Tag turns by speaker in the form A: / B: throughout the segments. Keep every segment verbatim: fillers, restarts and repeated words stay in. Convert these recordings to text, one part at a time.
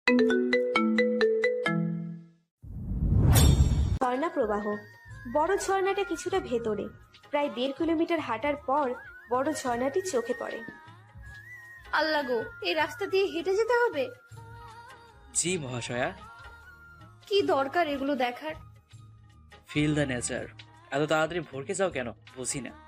A: ঝর্ণা প্রবাহ। বড় ঝর্ণাটা কিছুটা ভেতরে, প্রায় দেড় কিলোমিটার হাঁটার পর বড় ঝর্ণাটি চোখে পড়ে।
B: আল্লাহ গো, এই রাস্তা দিয়ে হেঁটে যেতে হবে?
C: জি মহাশয়া।
B: কি দরকার এগুলো দেখার?
C: Feel the nature. এত তাড়াতাড়ি ভরকে যাও কেন বুঝি না।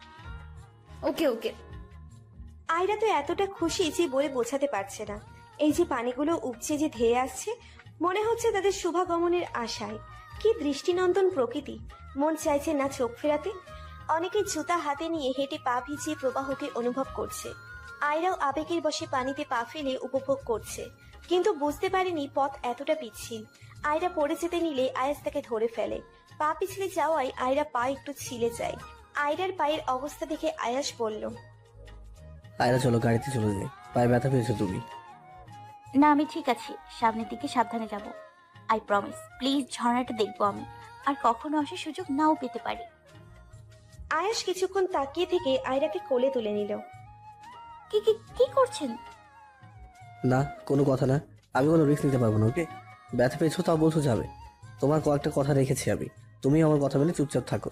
B: ওকে ওকে।
A: আয়রা তো এতটা খুশি যে বলে বোঝাতে পারছে না। এই যে পানিগুলো উপচে যে ধেয়ে আসছে, মনে হচ্ছে তাদের শুভাগমনের আশায়। কি দৃষ্টিনন্দন প্রকৃতি, মন চাইছে না চোখ ফেরাতে। অনেকে জুতা হাতে নিয়ে হেঁটে পা ভিজিয়ে প্রবাহকে অনুভব করছে। আয়রাও আবেগের বশে পানিতে পা ফেলে উপভোগ করছে, কিন্তু বুঝতে পারেনি পথ এতটা পিচ্ছিল। আয়রা পড়ে যেতে নিলে আয়াস তাকে ধরে ফেলে। পা পিছলে যাওয়ায় আয়রা পা একটু ছিলে যায়। আয়রার পায়ের অবস্থা দেখে আয়াস বলল,
D: আয়রা চলো গাড়িতে চলে যাই, পায়ে ব্যথা পেয়েছো তুমি।
E: না, আমি ঠিক আছি। সামনের দিকে সাবধানে যাব। I promise. প্লিজ, ঝর্ণাটা দেখবো আমি, আর কখনো আসার সুযোগ নাও পেতে পারি।
A: আয়াস কিছুক্ষণ তাকিয়ে থেকে আয়রাকে কোলে তুলে নিল।
E: কি কি কি করছেন?
D: না, কোনো কথা না। আমি কোনো রিস্ক নিতে পারবো না। ওকে, ব্যথা পেয়েছো তাও বলছো যাবে। তোমার কয়েকটা কথা রেখেছি আমি, তুমি আমার কথা মেনে চুপচাপ থাকো।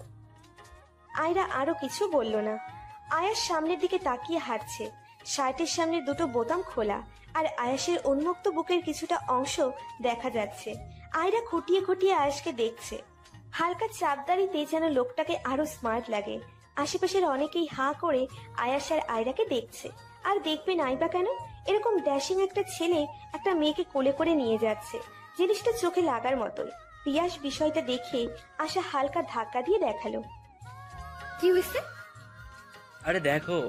A: আয়রা আরো কিছু বলল না। আয়াস সামনের দিকে তাকিয়ে হাঁটছে। শার্টের সামনের দুটো বোতাম খোলা, আর আয়াসের উন্মুক্ত বুকের কিছুটা অংশ দেখা যাচ্ছে। আয়রা খুঁটিয়ে খুঁটিয়ে আয়াসকে দেখছে। হালকা চাপদারিতে যেন লোকটাকে আরো স্মার্ট লাগে। আশেপাশের অনেকেই হাঁ করে আয়াস আর আয়রাকে দেখছে। আর দেখবে নাই বা কেন, এরকম ড্যাশিং একটা ছেলে একটা মেয়েকে কোলে করে নিয়ে যাচ্ছে, জিনিসটা চোখে লাগার মতোই। পিয়াস বিষয়টা দেখে আশা হালকা ধাক্কা দিয়ে দেখালো।
B: কি হয়েছে?
C: আরে দেখো।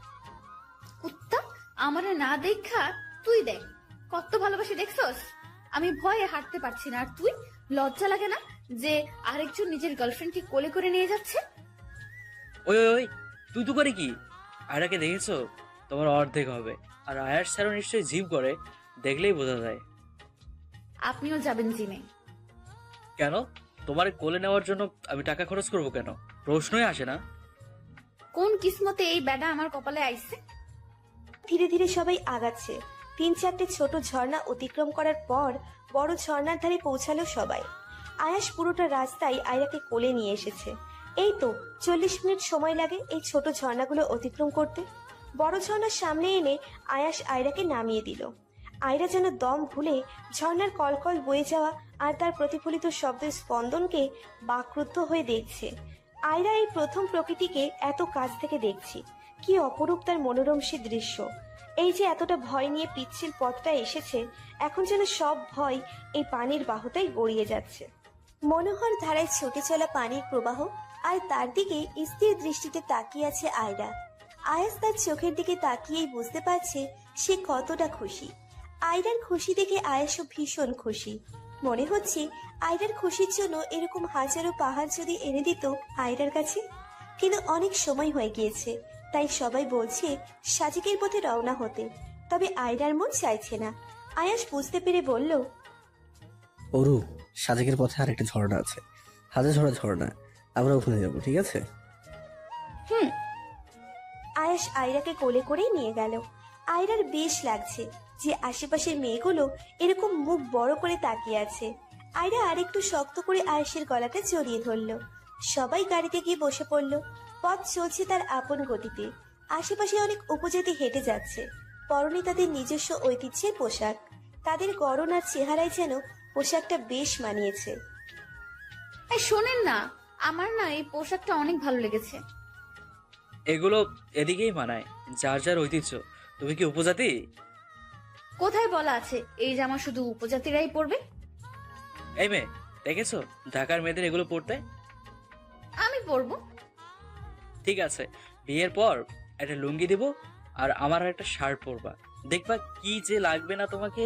B: কুত্তা, আমারে না দেখা তুই দেখ, কত ভালোবাসি দেখছস। আমি ভয়ে হাঁটতে পারছি না, আর তুই লজ্জা লাগে না যে আরেকজন নিজের গার্লফ্রেন্ডকে কোলে করে নিয়ে যাচ্ছে?
C: ওই ওই ওই, তুই তো করে কি? আয়রাকে দেখেছো? তোমার অর্ধেক হবে। আর আয়ার স্যারও নিশ্চয়ই জিম করে, দেখলেই বোঝা যায়।
B: আপনিও যাবেন জিমে?
C: কেন? তোমার কোলে নেওয়ার জন্য আমি টাকা খরচ করব কেন? প্রশ্নই আসে না।
B: কোন কিসমতে এই ব্যাডা আমার কপালে আইছে?
A: ধীরে ধীরে সবাই আগাচ্ছে। তিন চারটে ছোট ঝর্ণা অতিক্রম করার পর বড় ঝর্ণার ধারে পৌঁছালো সবাই। আয়াস পুরোটা রাস্তায় আয়রাকে কোলে নিয়ে এসেছে। এই তো চল্লিশ মিনিট সময় লাগে এই ছোট ঝর্ণাগুলো অতিক্রম করতে। বড় ঝর্ণার সামনে এনে আয়াস আয়রাকে নামিয়ে দিল। আয়রা যেন দম ভুলে ঝর্ণার কলকল বয়ে যাওয়া আর তার প্রতিফলিত শব্দের স্পন্দনকে বাকরুদ্ধ হয়ে দেখছে। আয়রা এই প্রথম প্রকৃতিকে এত কাছ থেকে দেখছি। কি অপরূপ তার মনোরম সে দৃশ্য। এই যে এতটা ভয় নিয়ে পিচ্ছিল পথটা এসেছে, এখন যেন সব ভয় এই পানির বাহুতাই গড়িয়ে যাচ্ছে। মনোহর ধারায় ছুটে চলা পানির প্রবাহ, আর তার দিকে স্থির দৃষ্টিতে তাকিয়ে আছে আয়রা। আয়াস তার চোখের দিকে তাকিয়েই বুঝতে পারছে সে কতটা খুশি। আয়রার খুশি দেখে আয়াসও ভীষণ খুশি। মনে হচ্ছে আয়রার খুশির জন্য এরকম হাজারো পাহাড় যদি এনে দিত আয়রার কাছে। কিন্তু অনেক সময় হয়ে গিয়েছে, তাই সবাই বলছে সাজিকের পথে রওনা হতে। তবে আয়রার মন চাইছে না। আয়াস বুঝতে পেরে বলল,
D: অরু, সাজেকের পথে আর একটা ঝর্ণা আছে, হাজার ঝরা ঝর্ণা। আমরা ওখানে যাবো, ঠিক আছে?
B: হুম।
A: আয়াস আয়রাকে কোলে করেই নিয়ে গেল। আয়রার বেশ লাগছে যে আশেপাশের মেয়েগুলো এরকম মুখ বড় করে তাকিয়ে আছে। আয়রা আরেকটু শক্ত করে আয়াসের গলাটা জড়িয়ে ধরলো। সবাই গাড়িতে গিয়ে বসে পড়লো। পথ চলছে তার আপন গতিতে। আশেপাশে অনেক উপজাতি হেঁটে যাচ্ছে, পরনে তাদের নিজস্ব ঐতিহ্যের পোশাক। তাদের গড়ন আর চেহারায় যেন পোশাকটা বেশ মানিয়েছে।
B: এই শোনেন না, আমার না এই পোশাকটা অনেক ভালো লেগেছে।
C: এগুলো এদিকেই মানায়, যার যার ঐতিহ্য। তুমি কি উপজাতি?
B: কোথায় বলা আছে এই জামা শুধু উপজাতিরাই পরবে?
C: এই মেয়ে, দেখেছো ঢাকার মেয়েদের এগুলো পরতে?
B: আমি পরবো।
C: ঠিক আছে, বিয়ের পর একটা লুঙ্গি দিব, আর আমার আর একটা শার্ট পরবা। দেখবা কি যে লাগবে না তোমাকে।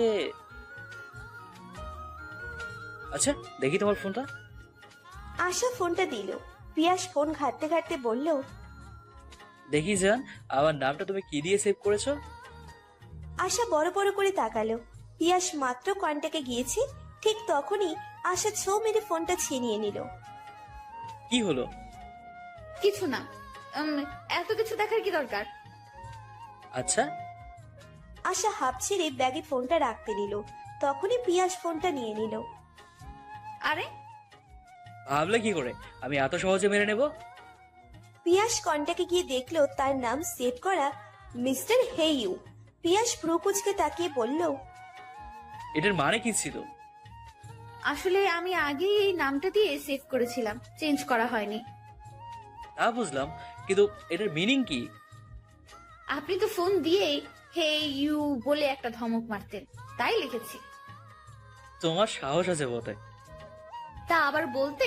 C: আচ্ছা, দেখি তোমার ফোনটা।
A: আশা ফোনটা দিল। পিয়াস ফোন ঘাটতে ঘাটতে বলল,
C: দেখি যান, আমার নামটা তুমি কি দিয়ে সেভ করেছো?
A: আশা বড় বড় করে তাকালো। পিয়াস মাত্র কন্টাকে গিয়েছে, ঠিক তখনই আশা ছো মেরে ফোনটা ছিনিয়ে নিল।
C: কি হলো?
B: কিছু না। উম, এত কিছু দেখার কি দরকার?
C: আচ্ছা।
A: আশা হাঁপ ছেড়ে ব্যাগে ফোনটা রাখতে নিল। তখনই পিয়াস ফোনটা নিয়ে নিল।
B: আরে
A: ভাবলে
C: কি করে আমি এত সহজে মেনে নেব?
A: পিয়াস কন্টাকে গিয়ে দেখলো তার নাম সেভ করা মিস্টার হেইউ। পিয়াস ভ্রুকুচকে তাকিয়ে বলল,
C: এটার মানে কি ছিল?
B: আসলে আমি আগেই এই নামটা দিয়ে সেভ করেছিলাম, চেঞ্জ করা হয়নি।
C: তা বুঝলাম, কিন্তু এটার মিনিং কি?
B: আপনি তো ফোন দিয়েই হে ইউ বলে একটা ধমক মারতেন, তাই লিখেছি।
C: তোমার সাহস আছে বটে।
B: তা আবার বলতে।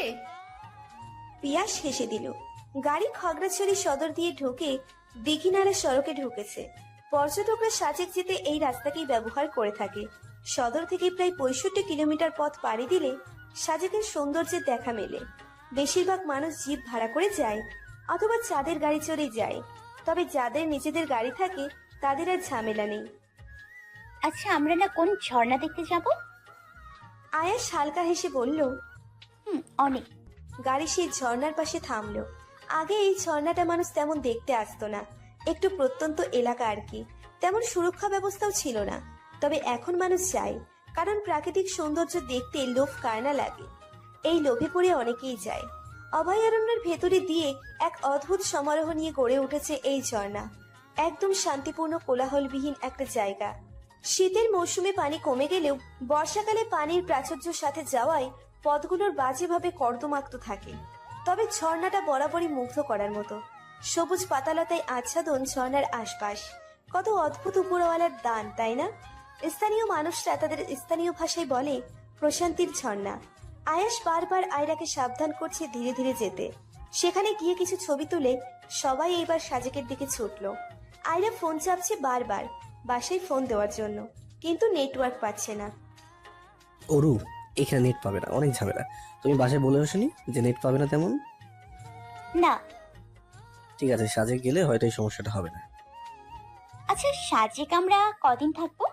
A: পিয়াস হেসে দিল। গাড়ি খাগড়াছড়ি সদর দিয়ে ঢুকে দিঘিনাড়া সড়কে ঢুকেছে। পর্যটকরা সাজেক যেতে এই রাস্তাকেই ব্যবহার করে থাকে। সদর থেকে প্রায় পঁয়ষট্টি কিলোমিটার পথ পাড়ি দিলে সাজেকের সৌন্দর্যের দেখা মেলে। বেশিরভাগ মানুষ জিপ ভাড়া করে যায় অথবা চাঁদের গাড়ি চড়ে যায়। তবে যাদের নিজেদের গাড়ি থাকে তাদের আর ঝামেলা নেই।
E: আচ্ছা, আমরা না কোন ঝর্ণা দেখতে যাব?
A: আয়াস হালকা হেসে বলল।
E: হুম, অনেক।
A: গাড়ি সেই ঝর্ণার পাশে থামলো। আগে এই ঝর্ণাটা মানুষ তেমন দেখতে আসতো না, একটু প্রত্যন্ত এলাকা আর কি, তেমন সুরক্ষা ব্যবস্থাও ছিল না। তবে এখন মানুষ যায়, কারণ প্রাকৃতিক সৌন্দর্য দেখতে লোভ কায় না লাগে। এই লোভে পড়ে অনেকেই যায়। অভয়ারণ্যের ভেতরে দিয়ে এক অদ্ভুত সমারোহ নিয়ে গড়ে উঠেছে এই ঝর্ণা। একদম শান্তিপূর্ণ কোলাহলবিহীন একটা জায়গা। শীতের মৌসুমে পানি কমে গেলেও বর্ষাকালে পানির প্রাচুর্যের সাথে যাওয়ায় পথগুলোর বাজেভাবে কর্দমাক্ত থাকে। তবে ঝর্ণাটা বরাবরই মুগ্ধ করার মতো। সবুজ পাতালতায় আচ্ছাদন ঝর্ণার আশপাশ। কত অদ্ভুত উপরওয়ালার দান, তাই না? স্থানীয় মানুষরা তাদের স্থানীয় ভাষায় বলে প্রশান্তির ঝর্ণা। আয়াস বারবার আয়রাকে সাবধান করছে ধীরে ধীরে যেতে। সেখানে গিয়ে কিছু ছবি তুলে সবাই এইবার সাজেকের দিকে ছুটলো। আয়রা ফোন চাপছে বারবার বাসায় ফোন দেওয়ার জন্য, কিন্তু নেটওয়ার্ক পাচ্ছে না।
D: অরু, এখানে নেট পাবে না, অনেক ঝামেলা। তুমি বাসায় বলে আসনি যে নেট পাবে না তেমন?
E: না।
D: ঠিক আছে, সাজে গেলে হয়তো এই সমস্যাটা হবে না।
E: আচ্ছা, সাজেক আমরা কদিন থাকবো?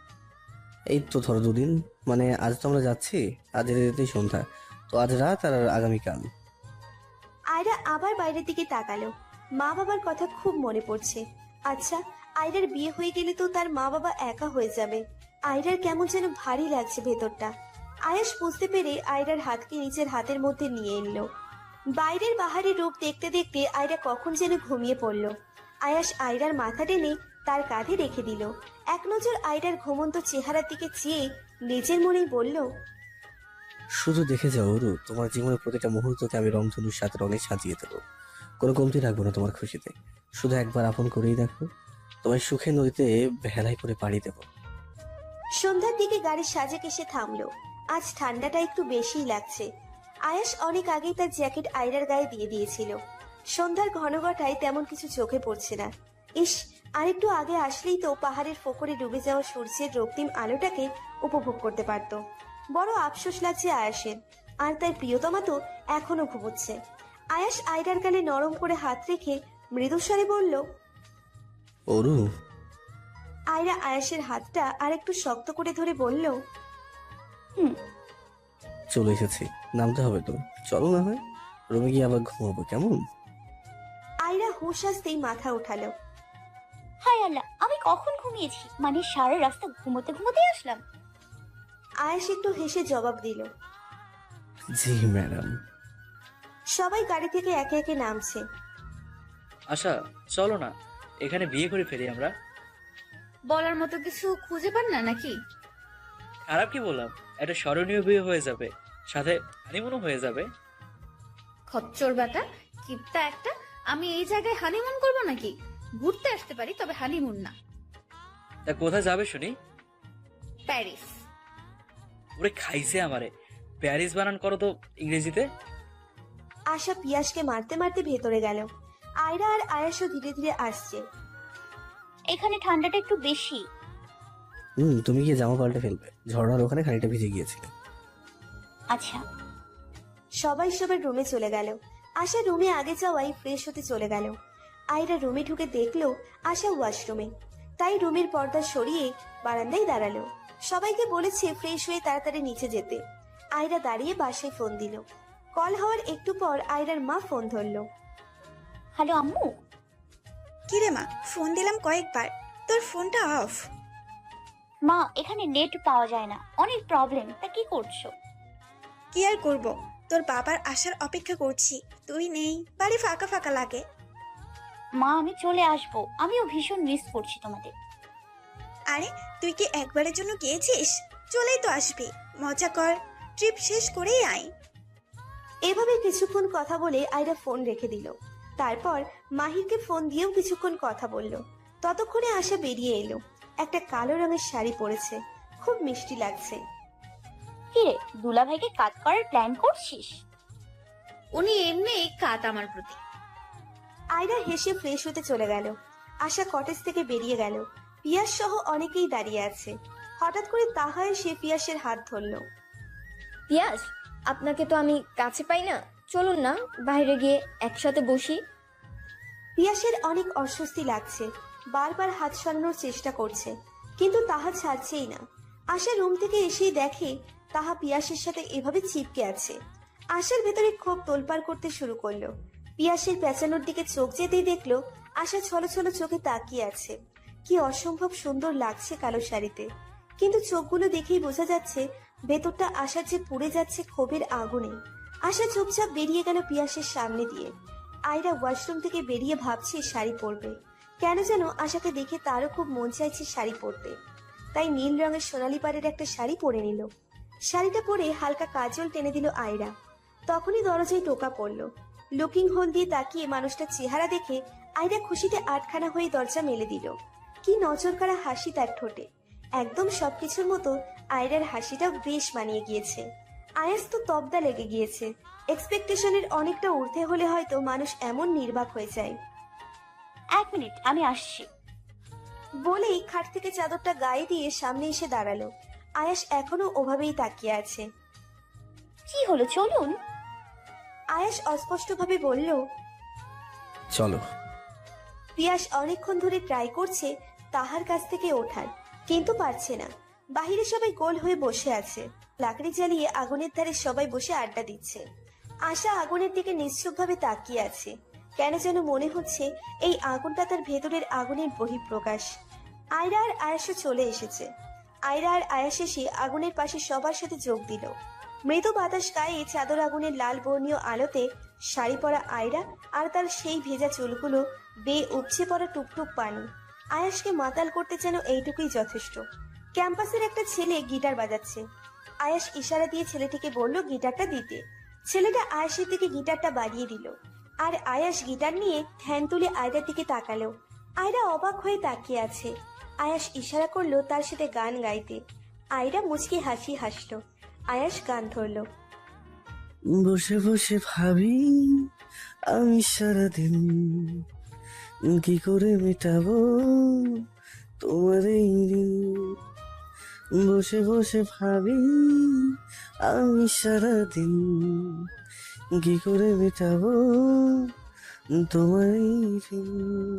D: এই তো ধরো দুদিন, মানে আজ তো আমরা যাচ্ছি, আজ যেতে যেতেই সন্ধ্যা, তো আজ রাত আর আগামীকাল।
A: আয়রা আবার বাইরের দিকে তাকালো। মা বাবার কথা খুব মনে পড়ছে। আচ্ছা, আয়রার বিয়ে হয়ে গেলে তো তার মা বাবা একা হয়ে যাবে। আয়রার কেমন যেন ভারী লাগছে ভেতরটা। আয়াস বুঝতে পেরে আয়রার হাতকে নিজের হাতের মধ্যে নিয়ে এলো। বাইরের বাহারি রূপ দেখতে দেখতে আয়রা কখন যেন ঘুমিয়ে পড়ল। আয়াস আয়রার মাথা টেনে তার কাঁধে রেখে দিল। এক নজর আয়রার ঘুমন্ত চেহারার দিকে চেয়ে নিজের মনেই বলল,
D: শুধু দেখে যাও অরু, তোমার জীবনের প্রতিটা মুহূর্তকে আমি রংধনুর সাথে রঙে সাজিয়ে দেবো। কোনো কমতি রাখবো না তোমার খুশিতে। শুধু একবার আপন করেই দেখো, তোমার সুখে নদীতে ভেলাই করে পাড়ি দেবো।
A: সন্ধ্যার দিকে গাড়ির সাজেক এসে থামলো। আজ ঠান্ডাটা একটু বেশিই লাগছে। আয়াস অনেক আগেই তার জ্যাকেট আয়রার গায়ে দিয়ে দিয়েছিল। সন্ধ্যার ঘনঘটায় তেমন কিছু চোখে পড়ছে না। ইস, আরেকটু আগে আসলেই তো পাহাড়ের ফোকরে ডুবে যাওয়া সূর্যের রক্তিম আলোটাকে উপভোগ করতে পারত। বড় আফসোস লাগছে আয়াসের। আর তার প্রিয়তমা তো এখনো ঘুমোচ্ছে। আয়াস আয়রার গালে নরম করে হাত রেখে মৃদুস্বরে বলল,
D: অরু।
A: আয়রা আয়াসের হাতটা আর একটু শক্ত করে ধরে বলল,
E: হুম।
D: চলে এসেছি, নামতে হবে তো, চলো না হয় রুমে গিয়ে আবার ঘুমাবো, কেমন?
A: আয়রা হুঁশ আসতেই মাথা উঠালো।
E: হায় আল্লাহ, আমি কখন ঘুমিয়েছি? মানে সারা রাস্তা ঘুমোতে ঘুমোতে আসলাম।
A: আয়াস একটু হেসে জবাব দিল।
D: জি ম্যাডাম।
A: সবাই গাড়ি থেকে একে একে নামছে।
C: আচ্ছা চলো না, এখানে বিয়ে করে ফেলি আমরা।
B: বলার মতো কিছু খুঁজে পান না নাকি?
C: খারাপ কি বললাম? একটা স্মরণীয় বিয়ে হয়ে যাবে, সাথে হানিমুনও হয়ে যাবে।
B: খচ্চর বেটা, কিপটা একটা। আমি এই জায়গায় হানিমুন করবো নাকি? ঘুরতে আসতে পারি, তবে হানিমুন না।
C: তা কোথায় যাবে শুনি?
B: প্যারিস।
C: ওরে খাইছে আমারে, প্যারিস বানান করো তো ইংরেজিতে।
A: আশা পিয়াসকে মারতে মারতে ভেতরে গেল। আয়রা আর আয়াসও ধীরে ধীরে আসছে।
E: এখানে ঠান্ডাটা একটু বেশি।
D: হুম, তুমি গিয়ে জামা পাল্টে ফেলবে, ঝর্ণার ওখানে খানিকটা ভিজে গিয়েছিল।
E: আচ্ছা।
A: সবাই সবার রুমে চলে গেল। আশা রুমে আগে যাওয়াই ফ্রেশ হতে চলে গেল। আয়রা রুমে ঢুকে দেখলো আশা ওয়াশরুমে, তাই রুমের পর্দা সরিয়ে বারান্দায় দাঁড়ালো। সবাইকে বলেছে ফ্রেশ হয়ে তাড়াতাড়ি নিচে যেতে। আয়রা দাঁড়িয়ে বাসায় ফোন দিল। কল হওয়ার একটু পর আয়রার মা ফোন ধরলো।
E: হ্যালো আম্মু।
F: কিরে মা, ফোন দিলাম কয়েকবার, তোর ফোনটা অফ।
E: মা এখানে নেট পাওয়া যায় না, অনেক প্রবলেম। তা কি করছো?
F: কি আর করব, তোর বাবার আসার অপেক্ষা করছি। তুই নেই, বাড়ি ফাঁকা ফাঁকা লাগে।
E: মা আমি চলে আসবো, আমিও ভীষণ মিস করছি তোমাদের।
F: আরে তুই কি একবারের জন্য গিয়েছিস? চলেই তো আসবি, মজা কর, ট্রিপ শেষ করেই আয়।
A: এভাবে কিছুক্ষণ কথা বলে আয়রা ফোন রেখে দিল। তারপর মাহিরকে ফোন দিয়েও কিছুক্ষণ কথা বলল। ততক্ষণে আশা বেরিয়ে এলো। একটা কালো রঙের শাড়ি পরেছে, খুব মিষ্টি লাগছে।
E: কিরে, দুলাভাইকে কাজ করার প্ল্যান করছিস?
B: উনি এমনি কাত আমার প্রতি।
A: আয়রা হেসে ফ্রেশ হতে চলে গেল। আশা কটেজ থেকে বেরিয়ে গেল। পিয়াস সহ অনেকেই দাঁড়িয়ে আছে। হঠাৎ করে তাহা এসে পিয়াসের হাত ধরল।
G: পিয়াস, আপনাকে তো আমি কাছে পাই না, চলুন না বাইরে গিয়ে একসাথে বসি।
A: পিয়াসের অনেক অস্বস্তি লাগছে, বারবার হাত সরানোর চেষ্টা করছে, কিন্তু তাহা ছাড়ছেই না। আশা রুম থেকে এসেই দেখে তাহা পিয়াসের সাথে এভাবে চিপকে আছে। আশার ভেতরে ক্ষোভ তোলপাড় করতে শুরু করলো। পিয়াসের পেঁচানোর দিকে চোখ যেতেই দেখলো আশা ছলো ছলো চোখে তাকিয়ে আছে। কি অসম্ভব সুন্দর লাগছে কালো শাড়িতে, কিন্তু চোখগুলো দেখেই বোঝা যাচ্ছে ভেতরটা আশার যে পুড়ে যাচ্ছে ক্ষোভের আগুনে। আশা চুপচাপ বেরিয়ে গেল পিয়াসের সামনে দিয়ে। আয়রা ওয়াশরুম থেকে বেরিয়ে ভাবছে শাড়ি পরবে। কেন যেন আশাকে দেখে তারও খুব মন চাইছে শাড়ি পরতে। তাই নীল রঙের সোনালি পাড়ের একটা শাড়ি পরে নিল। শাড়িটা পরে হালকা কাজল টেনে দিল আয়রা। তখনই দরজায় টোকা পড়ল। লুকিং হোল দিয়ে তাকিয়ে মানুষটার চেহারা দেখে আয়রা খুশিতে আটখানা হয়ে দরজা মেলে দিল। কি নজর কাড়া হাসি তার ঠোঁটে। একদম সবকিছুর মতো আয়রার হাসিটা বেশ মানিয়ে গিয়েছে। আয়াস তো তবদা লেগে গিয়েছে। এক্সপেকটেশনের অনেকটা ঊর্ধ্বে হলে হয়তো মানুষ এমন নির্বাক হয়ে যায়।
E: এক মিনিট, আমি আসছি।
A: বলেই খাট থেকে চাদরটা গায়ে দিয়ে সামনে এসে দাঁড়ালো। আয়াস এখনো ওভাবেই তাকিয়ে আছে।
E: কি হলো, চলুন।
A: আয়াস অস্পষ্টভাবে বলল।
D: চলো।
A: পিয়াস অনেকক্ষণ ধরে ট্রাই করছে তাহার কাছ থেকে ওঠার, কিন্তু পারছে না। বাহিরে সবাই গোল হয়ে বসে আছে। লাকড়ি জ্বালিয়ে আগুনের ধারে সবাই বসে আড্ডা দিচ্ছে। আশা আগুনের দিকে নিশ্চুপভাবে তাকিয়ে আছে। কেন যেন মনে হচ্ছে এই আগুনটা তার ভেতরের আগুনের বহিঃপ্রকাশ। আয়রা আর আয়াসও চলে এসেছে। আয়রা আর আয়াস এসে আগুনের পাশে সবার সাথে যোগ দিল। মৃদু বাতাস গায়ে চাদর আগুনের লাল বর্ণীয় আলোতে শাড়ি পরা আয়রা আর তার সেই ভেজা চুলগুলো বেয়ে উপচে পড়া টুকটুক পানি আয়াসকে মাতাল করতে যেন এইটুকুই যথেষ্ট। ক্যাম্পাসের একটা ছেলে গিটার বাজাচ্ছে। আয়াস ইশারা দিয়ে ছেলেটিকে বলল গিটারটা দিতে। ছেলেটা আয়াসের দিকে গিটারটা বাড়িয়ে দিল। আর আয়াস গিটার নিয়ে ধ্যান তুলে আয়রার দিকে তাকালো। আয়রা অবাক হয়ে তাকিয়ে আছে। আয়াস ইশারা করলো তার সাথে গান গাইতে। আয়রা মুচকি হাসি হাসলো। আয়াস গান ধরলো।
D: বসে বসে ভাবি আমি সারাদিন কি করে মেটাবো তোমার এই ঋণ। বসে বসে ভাবি আমি সারাদিন কি করে মেটাবো তোমার এই ঋণ।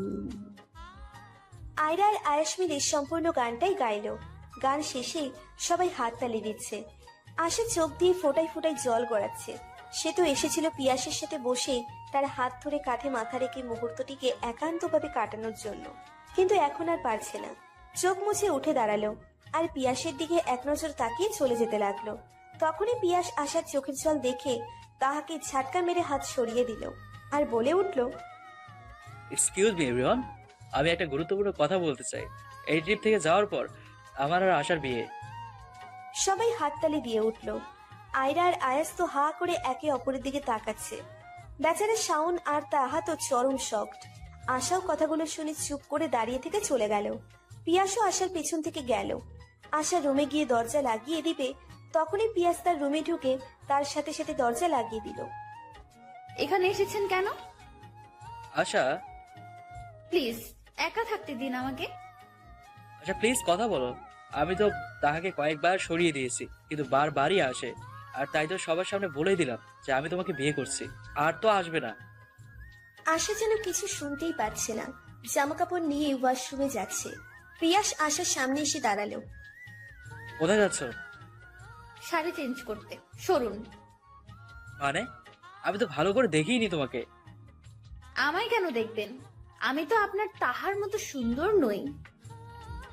A: আয়রা আর আয়াস মিলে সম্পূর্ণ গানটাই গাইলো। গান শেষে সবাই হাততালি দিচ্ছে। আশা চোখ দিয়ে ফোটায় ফোটায় জল গড়াচ্ছে। সে তো এসেছিল পিয়াসের সাথে বসে তার হাত ধরে কাঁধে মাথা রেখে মুহূর্তটিকে একান্তভাবে কাটানোর জন্য, কিন্তু এখন আর পারছে না। চোখ মুছে উঠে দাঁড়ালো আর পিয়াসের দিকে এক নজর তাকিয়ে চলে যেতে লাগলো। তখনই পিয়াস আশার চোখের জল দেখে তাহাকে ঝাটকা মেরে হাত সরিয়ে দিল আর বলে উঠল,
C: এক্সকিউজ মি এভরিওয়ান, আমি একটা গুরুত্বপূর্ণ কথা বলতে চাই। এই ট্রিপ থেকে যাওয়ার পর আমার আর আশার বিয়ে।
A: সবাই হাততালি দিয়ে উঠল। আয়রা আর আয়াস তো হা করে একে অপরের দিকে তাকাচ্ছে। বেচারা শাওন আর তাহা তো চরম শকড। আশাও কথাগুলো শুনে চুপ করে দাঁড়িয়ে থেকে চলে গেল। পিয়াসও আশার পেছন থেকে গেল। আশা রুমে গিয়ে দরজা লাগিয়ে দিবে, তখনই পিয়াস তার রুমে ঢুকে তার সাথে সাথে দরজা লাগিয়ে দিল।
B: এখানে এসেছেন কেন?
C: আশা,
B: প্লিজ একা থাকতে দিন আমাকে।
C: আচ্ছা প্লিজ কথা বলো। আমি তো তাহাকে কয়েকবার সরিয়ে দিয়েছি, কিন্তু বারবারই আসে। আর তাই তো সবার সামনে বলেই দিলাম যে আমি তোমাকে বিয়ে করছি, আর তো আসবে না।
A: আশা যেন কিছু শুনতেই পাচ্ছে না। জামা কাপড় নিয়ে ওয়াশরুমে যাচ্ছে। পিয়াস আশার সামনে এসে দাঁড়ালো।
C: কোথায় যাচ্ছ?
B: শাড়ি চেঞ্জ করতে, সরুন।
C: মানে আমি তো ভালো করে দেখিনি তোমাকে।
B: আমায় কেন দেখবেন? আমি তো আপনার তাহার মতো সুন্দর নই।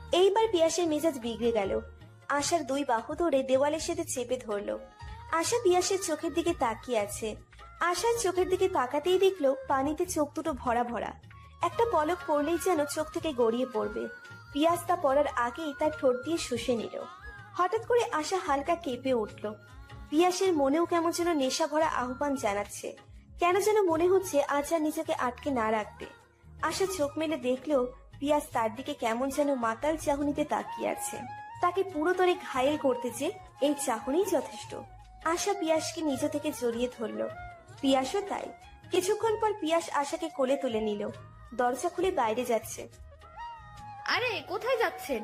A: এইবার পিয়াসের মেজাজ বিগড়ে গেল। আশার দুই বাহু ধরে দেওয়ালের সাথে চেপে ধরলো। আশা পিয়াসের চোখের দিকে তাকিয়ে আছে। আশার চোখের দিকে তাকাতেই দেখলো পানিতে চোখ দুটো ভরা ভরা। একটা পলক পড়লেই যেন চোখ থেকে গড়িয়ে পড়বে। পিয়াস তা পড়ার আগেই তার ঠোঁট দিয়ে শুষে নিল। হঠাৎ করে আশা হালকা কেঁপে উঠল। পিয়াসের মনেও কেমন যেন নেশা ভরা আহ্বান জানাচ্ছে। কেন যেন মনে হচ্ছে আজ আর নিজেকে আটকে না রাখতে। আশা চোখ মেলে দেখলো পিয়াস তার দিকে কেমন যেন মাতাল চাহনিতে তাকিয়ে আছে। তাকে পুরোতরে ঘায়েল করতে যে এই চাহনিই যথেষ্ট। আশা পিয়াসকে নিজ থেকে জড়িয়ে ধরল। পিয়াসও তাই। কিছুক্ষণ পর পিয়াস আশাকে কোলে তুলে নিল। দরজা খুলে বাইরে যাচ্ছে।
B: আরে কোথায় যাচ্ছেন?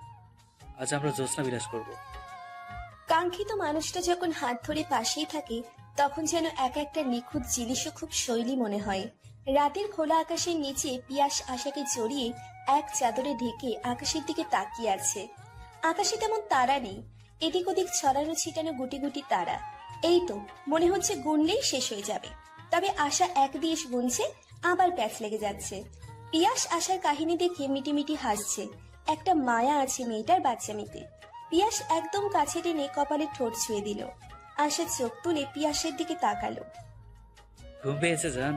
C: আজ আমরা জ্যোৎস্না বিলাস করব।
A: কাঙ্ক্ষিত মানুষটা যখন হাত ধরে পাশেই থাকে তখন যেন এক একটা নিখুঁত জিনিসও খুব শৈলী মনে হয়। রাতের খোলা আকাশের নিচে পিয়াস আশাকে জড়িয়ে এক চাদরে ঢেকে আকাশের দিকে তাকিয়ে আছে। আকাশে তেমন তারা নেই। এদিক ওদিক ছড়ানো ছিটানো গুটি গুটি তারা। এই তো মনে হচ্ছে গুনলেই শেষ হয়ে যাবে। তবে আশা এক দিয়েশ গুনছে, আবার প্যাচ লেগে যাচ্ছে। পিয়াস আশার কাহিনী দেখে মিটিমিটি হাসছে। একটা মায়া আছে মেয়েটার বাচ্চামিতে। পিয়াস একদম কাছে টেনে কপালে ঠোঁট ছুঁয়ে দিল। আশা চোখ তুলে পিয়াসের দিকে তাকালো।
C: ঘুম পেয়েছে জান?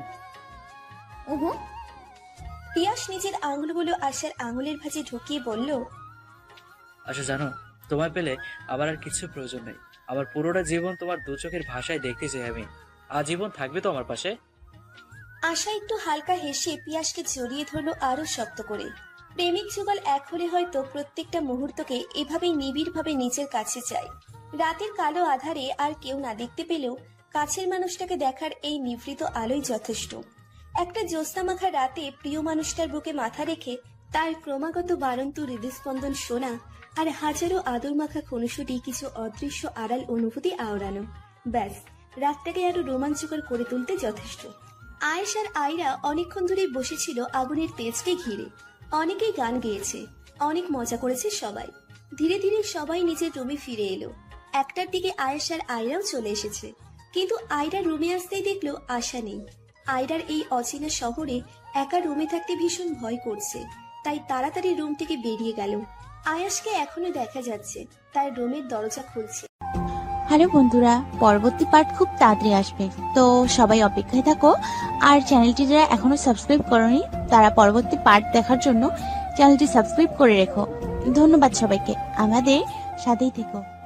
B: উহু।
A: পিয়াস নিজের আঙুলগুলো আশার আঙুলের ভাঁজে ঢুকিয়ে বলল,
C: আচ্ছা জানো, তোমায় পেলে আবার আর কিছু প্রয়োজন নেই। আমার পুরোটা জীবন তোমার দু চোখের ভাষায় দেখতে চাই আমি। আজীবন থাকবে তো আমার পাশে?
A: আশা একটু হালকা হেসে পিয়াসকে জড়িয়ে ধরলো আরো শক্ত করে। প্রেমিক যুগল এক হলে হয়তো প্রত্যেকটা মুহূর্তকে এভাবেই নিবিড় ভাবে নিজের কাছে চায়। রাতের কালো আধারে আর কেউ না দেখতে পেলেও কাছের মানুষটাকে দেখার এই নিভৃত আলোই যথেষ্ট। একটা জ্যোৎস্না মাখা রাতে প্রিয় মানুষটার বুকে মাথা রেখে তার ক্রমাগত বাড়ন্ত হৃদস্পন্দন শোনা আর হাজারো আদর মাখা খুনসুটি কিছু অদৃশ্য আড়াল অনুভূতি আওড়ানো, ব্যাস রাতটাকে আরো রোমাঞ্চকর করে তুলতে যথেষ্ট। আয়েশ আর আয়রা অনেকক্ষণ ধরে বসেছিল আগুনের তেজকে ঘিরে। অনেকেই গান গেয়েছে, অনেক মজা করেছে সবাই। ধীরে ধীরে সবাই নিজের রুমে ফিরে এলো। একটার দিকে আয়েশ আর আয়রাও চলে এসেছে। কিন্তু আয়রা রুমে আসতেই দেখলো আশা নেই। আয়রার এই অচেনা শহরে একা রুমে থাকতে ভীষণ ভয় করছে, তাই তাড়াতাড়ি রুম থেকে বেরিয়ে গেল। আয়াসকে এখনো দেখা যাচ্ছে তার রুমের দরজা খুলছে।
E: হ্যালো বন্ধুরা, পরবর্তী পার্ট খুব তাড়াতাড়ি আসবে, তো সবাই অপেক্ষায় থাকো। আর চ্যানেলটি যারা এখনো সাবস্ক্রাইব করোনি তারা পরবর্তী পার্ট দেখার জন্য চ্যানেলটি সাবস্ক্রাইব করে রেখো। ধন্যবাদ সবাইকে, আমাদের সাথেই থেকো।